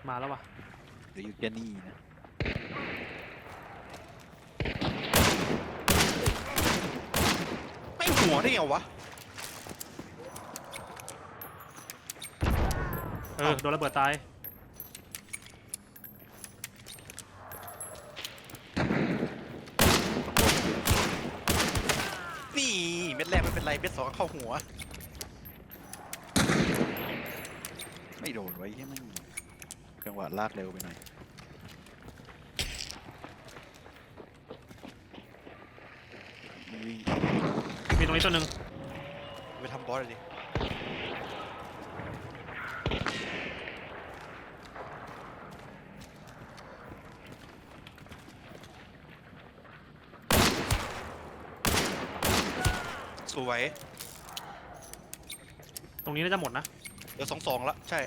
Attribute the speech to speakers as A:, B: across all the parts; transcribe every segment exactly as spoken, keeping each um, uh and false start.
A: มาแล้ววะ
B: หรืออยู่แค่นี้นะ
C: ไม่หัวได้ไงวะ
A: เออโดนระเบิดตาย
C: นี่เม็ดแรกไม่เป็นไรเม็ดสองเข้าหัว
B: ไม่โดนไว้แค่ไม่จังหวะลากเร็วไปหน่อยวิ่ง
A: มีตรงนี้ตัวหนึ่ง
C: ไปทำบอสเลยดิสวย
A: ตรงนี้น่าจะหมดนะ
C: เดี๋ยวสองสองละใช่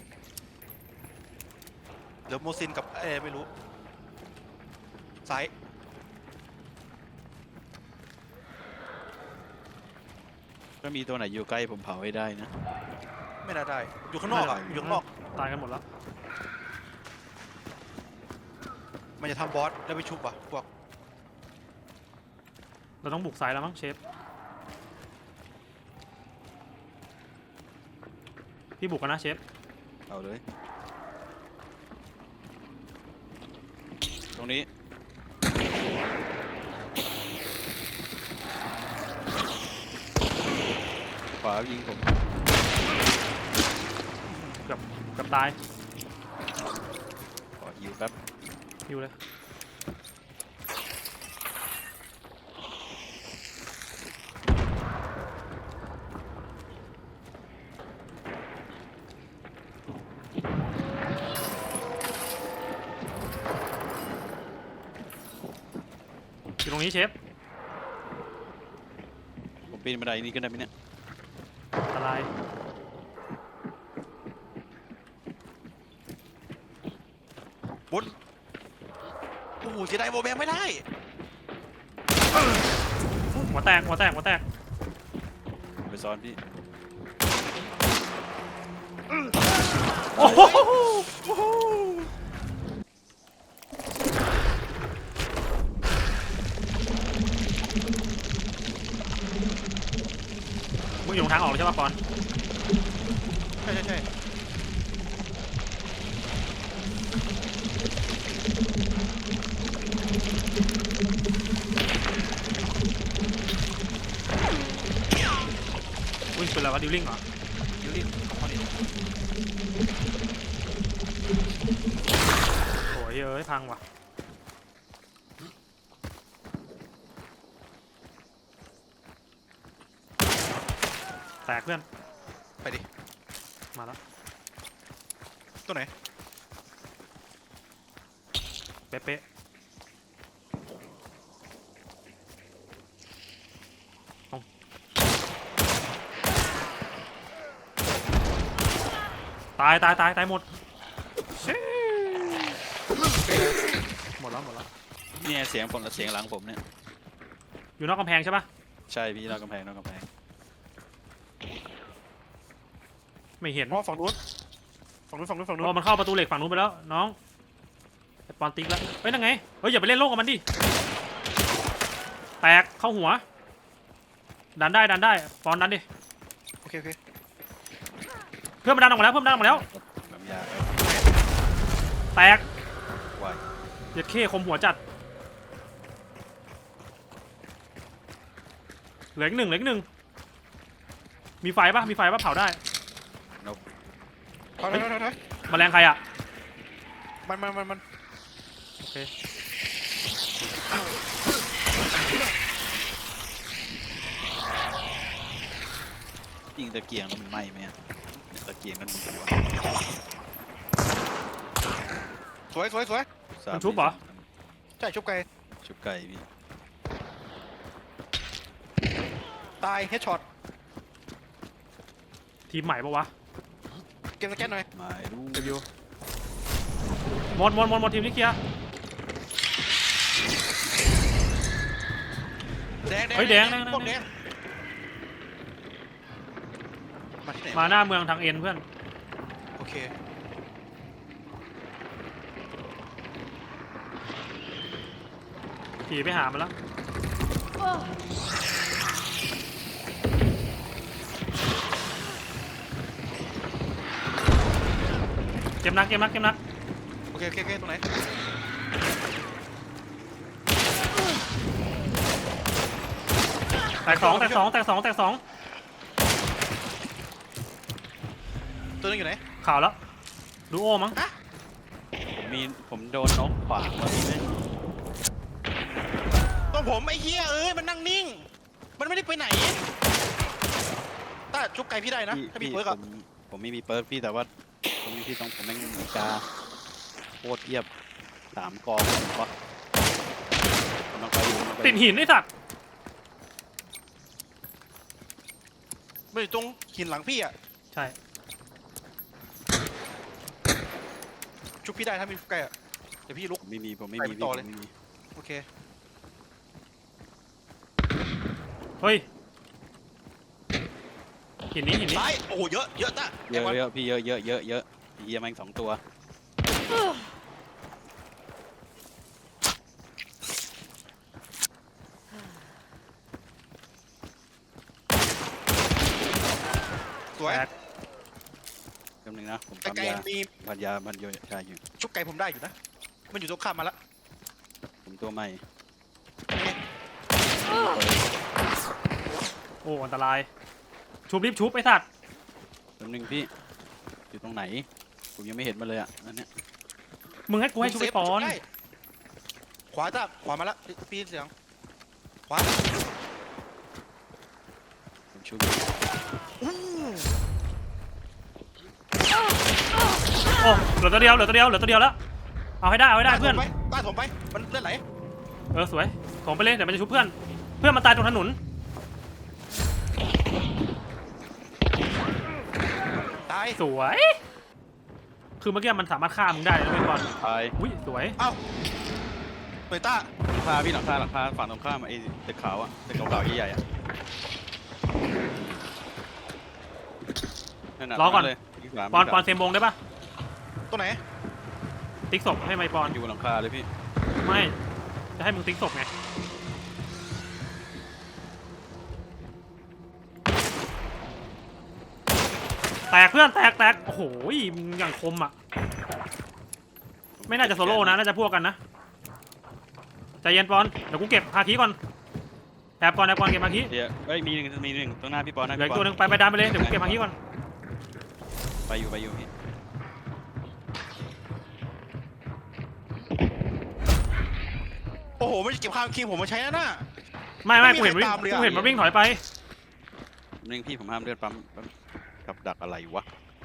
C: เดี๋ยวโมซินกับเอไม่รู้ซ้าย
B: ถ้ามีตัวไหนอยู่ใกล้ผมเผาให้ได้นะ
C: ไม่น่าได้อยู่ข้างนอกอ่ะอยู่ข้างนอก
A: ตายกันหมดแล้ว
C: มันจะทำบอสแล้วไปชุบอ่ะพวก
A: เราต้องบุกสายแล้วมั้งเชฟพี่บุกกันนะเชฟ
B: เอาเลยตรงนี้ขวายิงผม
A: เกือบเกือบตาย
B: ขอฮิวแป๊บ
A: ฮิวเลยอยู่ตรงนี้เชฟ
B: ผมปีนบันไดนี้ขึ้นได้ไหมเนี่ย
A: อะไร
C: บุญโอ้โหเสียดายโบแบงไม่ได้
A: หัวแตกหัวแตกหัวแตก
B: ไปซ้อนพี่
A: โอ้โหมึงอยู่ตรงทางออกเลยใช่ป่ะปอน
C: ใช่ใช่ใช่
A: วิ่งเป็นอะไรวะดิวลิ่งเหรอ
C: ดิวลิ่งของเขาดิ
A: โอ้ยเอ้ยพังว่ะแตกเพื่อน
C: ไปดิ
A: มาแล้ว
C: ตัวไหน
A: เป๊ะตายตายตายตายหมดหมดแล้วหมดแล้ว
B: เนี่ยเสียงผมกับเสียงหลังผมเนี่ย
A: อยู่นอกกำแพงใช่ปะ
B: ใช่พี่นอกกำแพงนอกกำแพง
A: ไม่เห็น
C: เพราะฝั่งนู้นฝั่งนู้นฝั่งนู้นฝั่งนู้น
A: มันเข้าประตูเหล็กฝั่งนู้นไปแล้วน้องไอปอนติ๊กแล้วเฮ้ยนั่งไงเฮ้ยอย่าไปเล่นโลกกับมันดิแตกเข้าหัวดันได้ดันได้ปอนดันดิ
C: โอเคโอเค
A: เพื่อนมันดันออกมาแล้วเพื่อนมันดันออกมาแล้วแตกเย็ดเข้คมหัวจัดเหลืออีกหนึ่งเหลืออีกหนึ่งมีไฟปะมีไฟปะเผาได้
C: ถอยถอยถอยถอย
A: แมลงใครอ่ะ
C: มันมันมันมัน
A: โอเค
B: ยิงตะเกียงมันไหม้ไหมตะเกียงมันมีหัว
C: สวยสวยสวย
A: มันชุบเหรอ
C: ใช่ชุบไก่
B: ชุบไก่พี่
C: ตายเฮดช็อต
A: ทีมใหม่ปะวะ
C: เก็บสแกนหน่อย
B: ไม่รู้
A: เดบิวหมดหมดหมดหมดทีมนี้เคลียร์
C: แดงแดง
A: เฮ้ยแดงแดงแดงมาหน้าเมืองทางเอ็นเพื่อน
C: โอเค
A: ขี่ไปหามันแล้วเก็บนักเก็บนักเก็บนัก
C: โอเคโอเคโอเคตรงไหน
A: แตกสองแตกสองแตกสองแตกสอง
C: ตัวนึงอยู่ไหน
A: ข่าวแล้วดูโอมั้ง
B: ผมมีผมโดนนกขวางว่าพี่ไม่
C: ตัวผมไอ้เหี้ยเอ้ยมันนั่งนิ่ง มันไม่ได้ไปไหนต้าชุบไก่พี่ได้นะ
B: พี่
C: ถ้ามี
B: พี่
C: เปิร์ก
B: ผ
C: อะ
B: มผมไม่มีเปิร์กพี่แต่ว่าตรงนี้พี่ต้องผมแม่งมีกาโคตรเทียบสามกองผมก็กำลังไปอยู่กำลังไปอ
A: ติด
B: ยู่
A: หินไอ้สัตว์
C: ไม่อยู่ตรงหินหลังพี่อะ
A: ใช่
C: ชุบพี่ได้ถ้ามีชุบไก่อะเดี๋ยวพี่ลุก
B: ผมไม่มีผมไม่
C: ไป
B: มี
C: ต่
B: พี่
C: อ
B: ผม
C: เลย
B: ไม่มี
C: โอเค
A: เฮ้ยหินนี้หินนี้
C: ซ้ายโอ้โหเยอะเยอะต้า
B: เยอะเยอะพี่เยอะเยอะเยอะเยอะเฮียแม่งสองตัว
C: สวย
A: แตก
B: แป๊บนึงนะผม
C: แต่
B: ทำ
C: ไก่
B: ยา
C: มี
B: พันยาพันโยชาอยู่
C: ชุบไก่ผมได้อยู่นะ มันอยู่ตรงข้ามมาละ
B: ผมตัวใหม่
A: โอ้อันตรายชุบรีบชุบไอ้สัตว์
B: แป๊บนึงพี่อยู่ตรงไหนผมยังไม่เห็นมันเลยอ่ะอันเนี้ย
A: มึงให้กูให้ชุบไปปอน
C: ได้ขวาต้าขวามาละพี่เสียงขวา
B: ผมชุบ
C: อู้
A: โอ้เหลือตัวเดียวเหลือตัวเดียวเหลือตัวเดียวแล้วเอาให้ได้เอาให้ได้เพื่อน
C: ต้าถมไปมันเลือดไหล
A: เออสวยถมไปเลยเดี๋ยวมันจะชุบเพื่อนเพื่อนมันตายตรงถนน
C: ตาย
A: สวยคือเมื่อกี้มันสามารถฆ่ามึงได้นะเว้ยบอล
B: ตาย
A: อุ้ยสวย
C: เอ้าเปิดต้า
B: หลังคาพี่หลังคาหลังคาฝั่งตรงข้ามไอ้ตึกขาวอ่ะตึกขาวๆใหญ่ๆอ่ะนั่นน่ะ
A: รอก่อน
B: เลยที่สาม
A: ปอน
B: ที่
A: ปอน
B: สาม
A: เซมบงได้ปะ
C: ตัวไหน
A: ติ๊กศพให้ไมค์ปอน
B: อยู่บนหลังคาเลยพี่
A: ไม่จะให้มึงติ๊กศพไงแตกเพื่อนแตกแตกโอ้โหมึงอย่างคมอ่ะไม่น่าจะโซโล่นะน่าจะพวกกันนะใจเย็นปอนเดี๋ยวกูเก็บฮาคิก่อนแอบก่อนแอบก่อนเก็บฮาคิ
B: เดี๋ยวเอ้ยมีหนึ่งมีหนึ่งตรงหน้าพี่ปอนนะ
A: เหลือ
B: พี่
A: อี
B: ป
A: ก
B: อ
A: ตัวน หนึ่งไปไปดันไปเลยเดี๋ยวกูเก็บฮาคิก่อน
B: ไปอยู่ไปอยู่พี่
C: โอ้โหไม่เก็บข้าวคิงผมมาใช้แล้วนะ
A: ไม่ไม่
C: ไม่
A: กู
C: มี
A: เห็นวิ่ง
C: ใครตามเลยอะ
A: กูเห็นมันวิ่งถอยไป
B: นึงพี่ผมห้ามเลือดปั๊มปั๊มกับดักอะไรวะ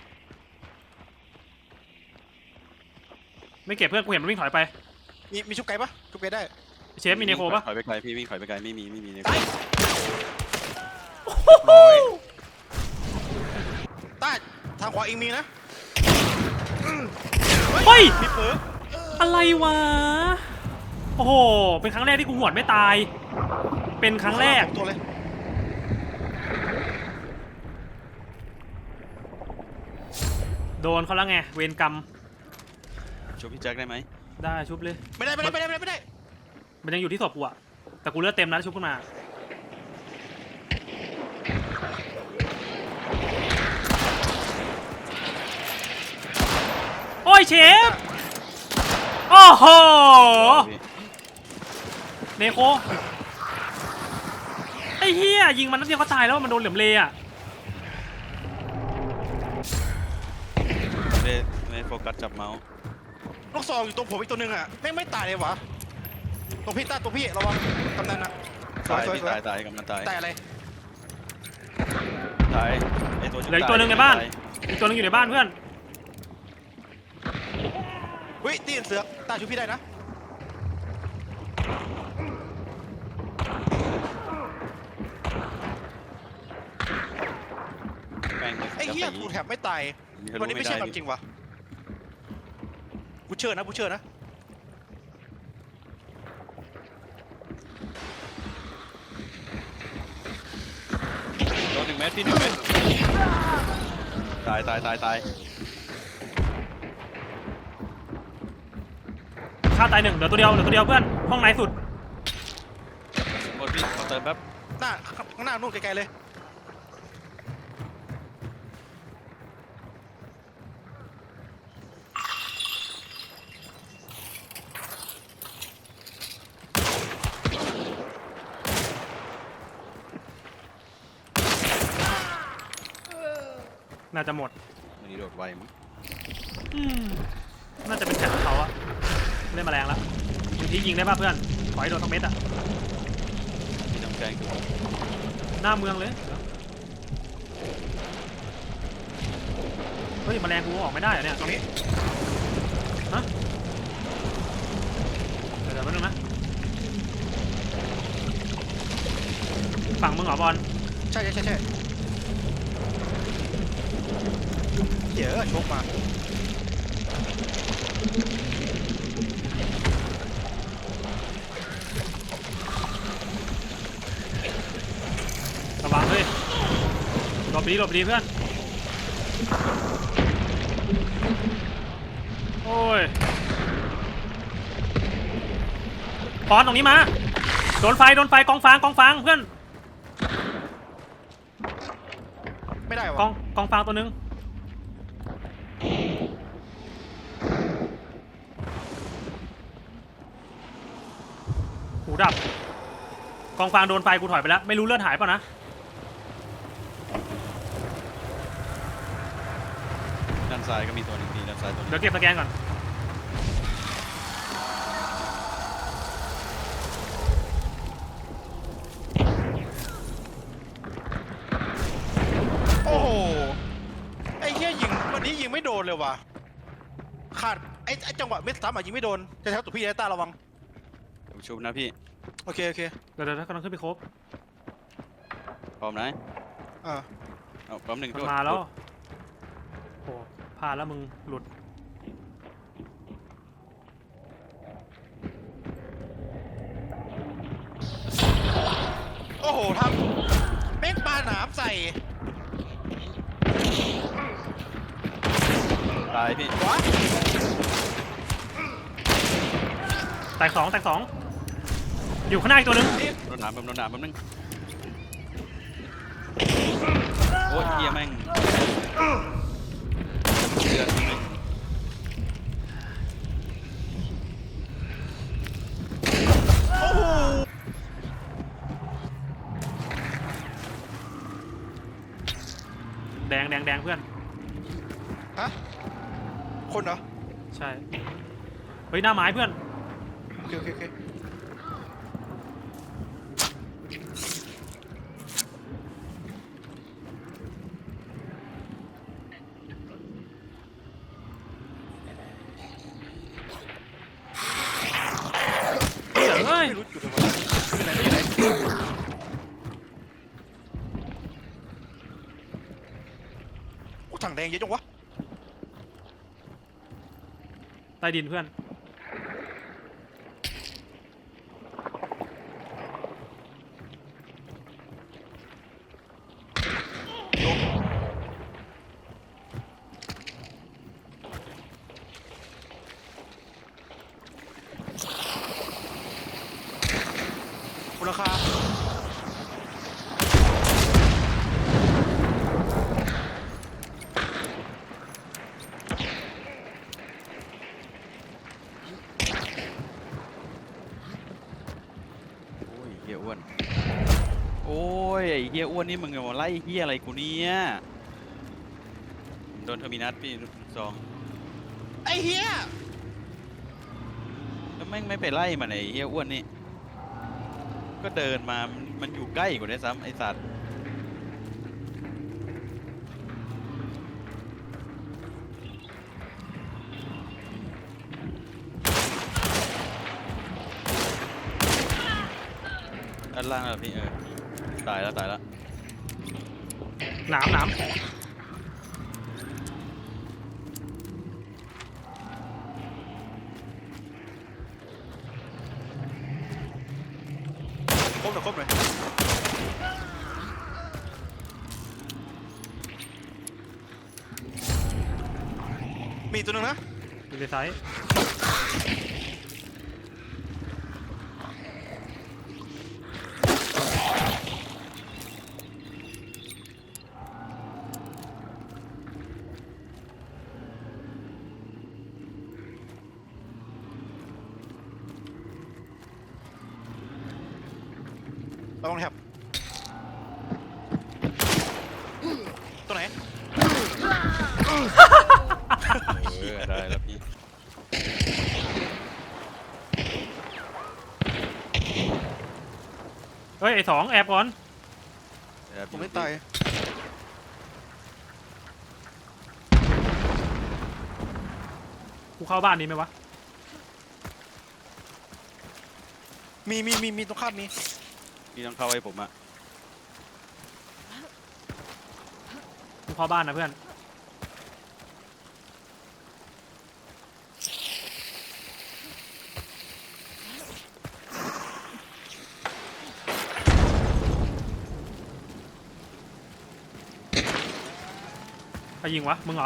A: ไม่เก็บเพื่อนกูเห็นมันวิ่งถอยไป
C: มีมีชุบไก่ปะชุบไก่ได้
A: เชฟมีเนโคปะ
B: ถอยไปไกลพี่วิ่งถอยไปไกลไม่มีไม่มีเนโค
C: ตายร้อยต้าทางขวาเองมีนะ
A: เฮ้ย
C: มีเปิร์ก
A: อะไรวะโอ้โหเป็นครั้งแรกที่กูหวดไม่ตาย เป็นครั้งแรก
C: ตัวเลย
A: โดนเขาแล้วไงเวรกรรม
B: ช่วยพี่แจ็คได้ไหม
A: ได้ชุบเลย
C: ไม่ได้ไม่ได้ไม่ได้ไม่ได้ไม่ได้
A: มันยังอยู่ที่ศพกูอะแต่กูเลือดเต็มแล้วชุบขึ้นมาโอ้ยเชฟโอ้โห
B: พี่
A: เนโคไอ้เหี้ยยิงมันนัดเดียวก็ตายแล้วมันโดนเหลี่ยมเลอะ
B: ไม่ได้ไม่ได้โฟกัสจับเมาส์
C: ลูกซองอยู่ตรงผมอีกตัวหนึ่งอ่ะแม่งไม่ตายเลยวะตรงพี่ต้าตรงพี่ระวังกำนันอ่ะสว
B: ตาย ย
C: สวย
B: พี่
C: สวย
B: ตายตายกำลังตาย
C: ตายอะไร
B: ตายไอ้ตัว
A: เหลืออีกตัวหนึ่งในบ้านอีกตัวหนึงอยู่ในบ้านเพื่อน
C: เฮ้ยตีนเสือกต้าชุบพี่ได้นะ
B: แม่ง
C: ไอ้เหี้ยกูแถบไม่ตายวันนี้ไม่ใช่ความจริงวะบูเชอร์นะบูเชอร์นะ
B: โดนหนึ่งเมตรพี่หนึ่งเมตรตายตายตายตาย
A: ฆ่าตายหนึ่งเหลือตัวเดียวเหลือตัวเดียวเพื่อนห้องไหนสุด
B: พี่ขอเติมแป๊บ
C: หน้าข้างหน้านู่นไกลๆเลย
A: น่าจะหมด
B: มันนี่โดดไวมั้ง
A: อืมน่าจะเป็นแผนของเขาอะเล่นแมลงแล้วบางทียิงได้ป่ะเพื่อนขอให้โดนทั้งเม็ดอะ
B: พี่ต้องแจ้งตัว
A: หน้าเมืองเลยเฮ้ยแมลงกูออกไม่ได้เหรอเนี่ย
C: ตรงนี้
A: ฮะเดี๋ยวเดี๋ยวแป๊บนึงนะฝั่งมึงเหรอบอล
C: ใช่ใช่ใช่ใช่เดี๋ยวชกมา
A: ระวังเลยหลบดีหลบดีเพื่อนโอ้ยปอนตรงนี้มาโดนไฟโดนไฟกองฟางกองฟางเพื่อน
C: ไม่ได้
A: กอ
C: วะ
A: งกองฟางตัวหนึงหูดับกองฟางโดนไฟกูถอยไปแล้วไม่รู้เลือดหายเปล่ะนะ
B: ด้านซ้ายก็มีตัวหนึ่งพี่ด้านซ้ายตัวหนึง
A: เดี๋ยวเก็บสแกนก่อน
C: โอ้โหไอ้เหี้ยยิงวันนี้ยิงไม่โดนเลยว่ะขาดไอ้ไอ้จังหวะเม็ดซ้ำอ่ะยิงไม่โดนจะแถวตัวพี่ไอ้ตาระวัง
B: เดี๋ยวผมชุบนะพี่
C: โอเคโอเค
A: เดี๋ยวเดี๋ยวกำลังขึ้นไปครบ
B: พร้อมนะ
C: อ่า
B: เอาพร้อมหนึ่ง
A: มัน
B: โดด
A: มาแล้ว
B: โดด
A: โอ้พลาดแล้วมึงหลุด
C: โอ้โหทำแม่งปาหนามใส่
B: ตายพี่
C: วะ
A: แตกสองแตกสองอยู่ข้างหน้าอีกตัวหนึง
C: นี่
B: โดนหนามผมโดนหนามแป๊บนึงโอ้ยเฮียแม่งเดือดนิดนึง
C: โอ้โห
A: แดงแดงแดงเพื่อน
C: ฮะคนเหรอ
A: ใช่เฮ้ยหน้าไม้เพื่อน
C: โอเคโอเคโอเค
A: เฮ้ยเฮ้ย
C: ไม่รู้จุดเลยว่ะอยู่ไหนอยู่ไหนโอ้ถังแดงเยอะจังวะ
A: ใต้ดินเพื่อน
C: มูลค่า
B: โอ้ยเฮียอ้วนโอ้ยไอ้เฮียอ้วนนี่มึงมาไล่เฮียอะไรกูเนี่ยผมโดนเทอร์มินัสพี่ลูกซอง
C: ไอ้เหี้ย
B: แล้วแม่งไม่ไปไล่มันไอ้เฮียอ้วนนี่ก็เดินมามันมันอยู่ใกล้กว่าได้วยซ้ำไอ้สัตว์ด้านล่างแล้วพี่เออตายแล้วตายแล้ว
A: หนามหนาม
C: ครบเลยครบเลยมีอีกตัวหนึงนะ
A: อยู่ในไซส์
C: คระวังแถบตัวไหน
B: เออได้แล้วพี่
A: เฮ้ยไอ้สองแอบก่อน
B: แอบอ
C: ผมไม่ตาย
A: กูเข้าบ้านนี้ไหมวะ
C: มีมีมีมีตรงข้ามมี
B: พี่ต้องเข้าให้ผมอะ
A: กูเข้าบ้านนะเพื่อนใครยิงวะมึงเหรอ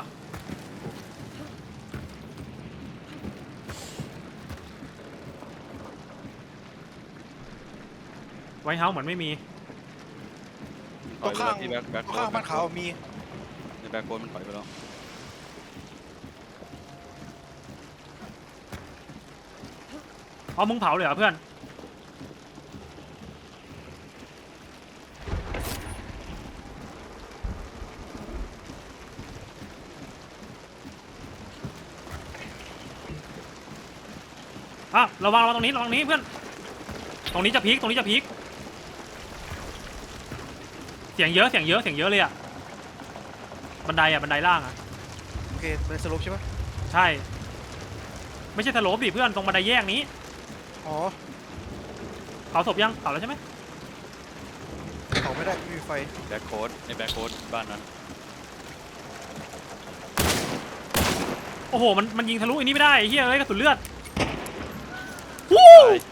A: ไวท์เฮาส์เหมือนไม่มี
C: ตรงข้าง
B: ที่แบ็คแบ็ค
C: ตรงข้างบ้านขาวมี
B: ในแบ็คโค้ดมันถอยไปแล้ว
A: เอามึงเผาเลยเหรอเพื่อนอ่ะระวังระวังตรงนี้ระวังตรงนี้เพื่อนตรงนี้จะพีคตรงนี้จะพีคเสียงเยอะเสียงเยอะเสียงเยอะเลยอ่ะบันไดอ่ะบันไดล่างอ่ะ
C: โอเคเป็นสโลปใช่ปะ
A: ใช่ ไม่ใช่สโลปดิเพื่อนตรงบันไดแยกนี้
C: อ๋อ
A: เผาศพยังเผาแล้วใช่ไหม
C: เขาไม่ได้ไม่มีไฟ
B: แบ็คโค้ดในแบ็คโค้ดบ้านนั้น
A: โอ้โหมันมันยิงทะลุอันนี้ไม่ได้ไอ้เฮียเอ้ยกระสุนเลือดวู้
B: ตาย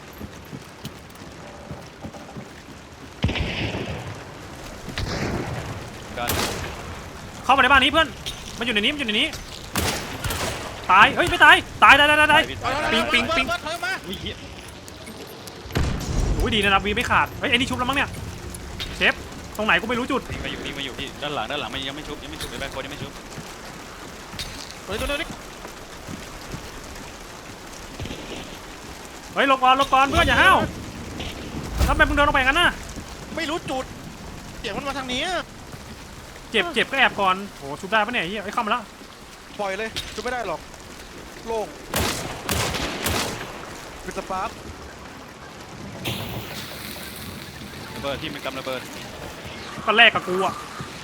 B: กัน
A: เข้ามาในบ้านนี้เพื่อนมันอยู่ในนี้มันอยู่ในนี้ตายเฮ้ยไม่ตายตายตายตายตาย
B: พี่
C: เอา
B: ตาย
C: เอา
A: ปิ๊งปิ๊งปิ๊ง
C: เบิร์ดเบิร์ดเบิร์ดมา
B: อุ้ยเหี้ย
A: โอ้ยดีนะนับวีไม่ขาดเฮ้ยไอ้นี่ชุบแล้วมั้งเนี่ยเชฟตรงไหนกูไม่รู้จุด
B: วิ่งมาอยู่วิ่งมาอยู่พี่ด้านหลังด้านหลังมันยังไม่ชุบยังไม่ชุบในแบ็คโค้ดยังไม่ชุบ
C: เฮ้ยตัวนี้
A: เฮ้ยหลบก่อนหลบก่อนเพื่อนอย่าห้าวทำไมมึงเดินลงไปงั้นน่ะ
C: ไม่รู้จุดเสียงมันมาทางนี้
A: เจ็บเจ็บก็แอบก่อนโอ้ชุบได้ปะเนี่ยไอ้เฮียไอ้ยเข้ามาแล้ว
C: ปล่อยเลยจุดไม่ได้หรอกโล่งเป็นสปาร์ค
B: ระเบิดที่มันกำระเบิด
A: ก็แลกกับกูอะ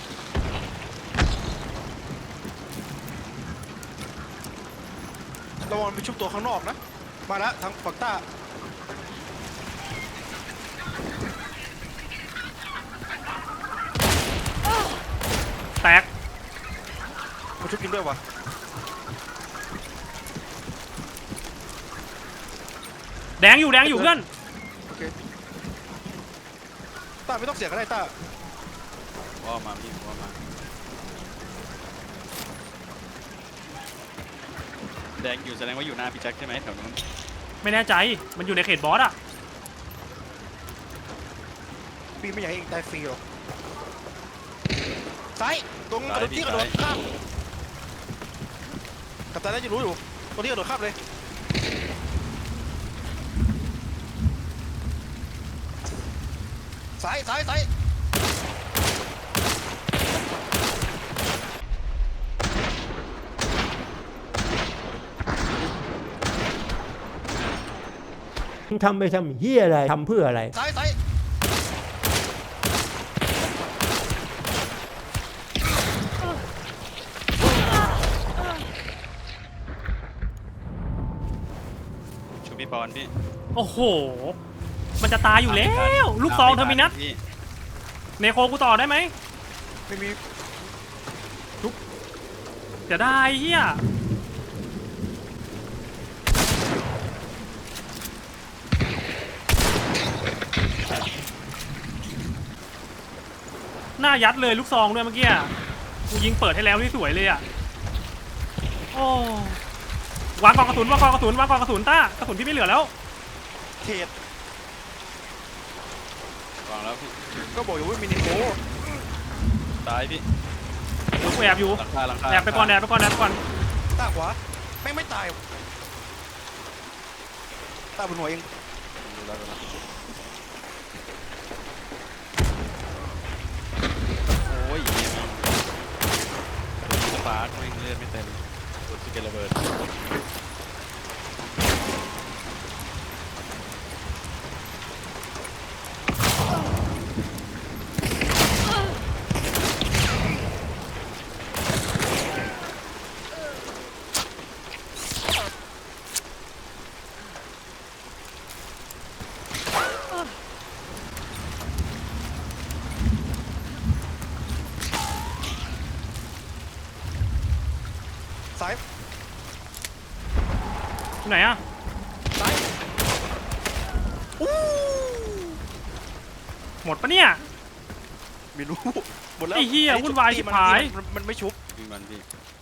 C: ระวังไปชุบตัวข้างนอกนะมาแล้วทางฝั่งใต้
A: แตก
C: มาชุบกินด้วยวะ
A: แดงอยู่แดงอยู่เพื่อน
C: โอเคต้าไม่ต้องเสียก็ได้ต้า
B: ว่ามาพี่ว่ามาแดงอยู่แสดงว่าอยู่หน้าพี่แจ็คใช่ไหมแถวนู้น
A: ไม่แน่ใจมันอยู่ในเขตบอสอะ
C: ปีไม่อยากให้เองตายฟรีหรอกซ้ายตรงกระโดดที่กระโดดข้ามกัปตันน่าจะรู้อยู่ตรงที่กระโดดข้ามเลยซ้ายซ้ายซ้าย
D: มึงทำไปทำเฮียอะไร ทำเพื่ออะไร
C: ซ้ายซ้าย
B: ชูพี่ปอนพี่
A: โอ้โหมันจะตายอยู่แล้วลูกซองเทอร์มินัส
B: พี่
A: เนโคกูต่อได้ไหม
C: ไม่มี
A: จะได้เฮียหน้ายัดเลยลูกซองด้วยเมื่อกี้อะกูยิงเปิดให้แล้วนี่สวยเลยอ่ะโอ้วางกองกระสุนวางกองกระสุนวางกองกระสุนต้ากระสุนที่ไม่เหลือแล้ว
C: เขต
B: วางแล้วพี่
C: ก็บอกอยู่ว่ามินิโก
B: ตายพี่
A: เดี๋ยวกูแอบอยู่
B: หลังคาหลังคา
A: แอบไปก่อนแอบไปก่อนแอบไปก่อน
C: ต้าขวาไม่งไม่ตายต้าบนหัวเอง
B: ดูแล้วดูแล้วยเหี้ยสปาร์คไม่งเลือดไม่เต็มโดนสเกลระเบิด
C: ซ้าย
A: ที่ไหนอะ
C: ซ้ายอู้
A: หมดปะเนี่ย
C: ไม่รู้หมดแล้ว
A: ไอ้เหี้ย
C: นนี้
A: วุ่นวาย
C: ตี
A: ชิบ
C: มัน
A: หาย
C: มันมันไม่ชุบ
B: ยิงมันพี่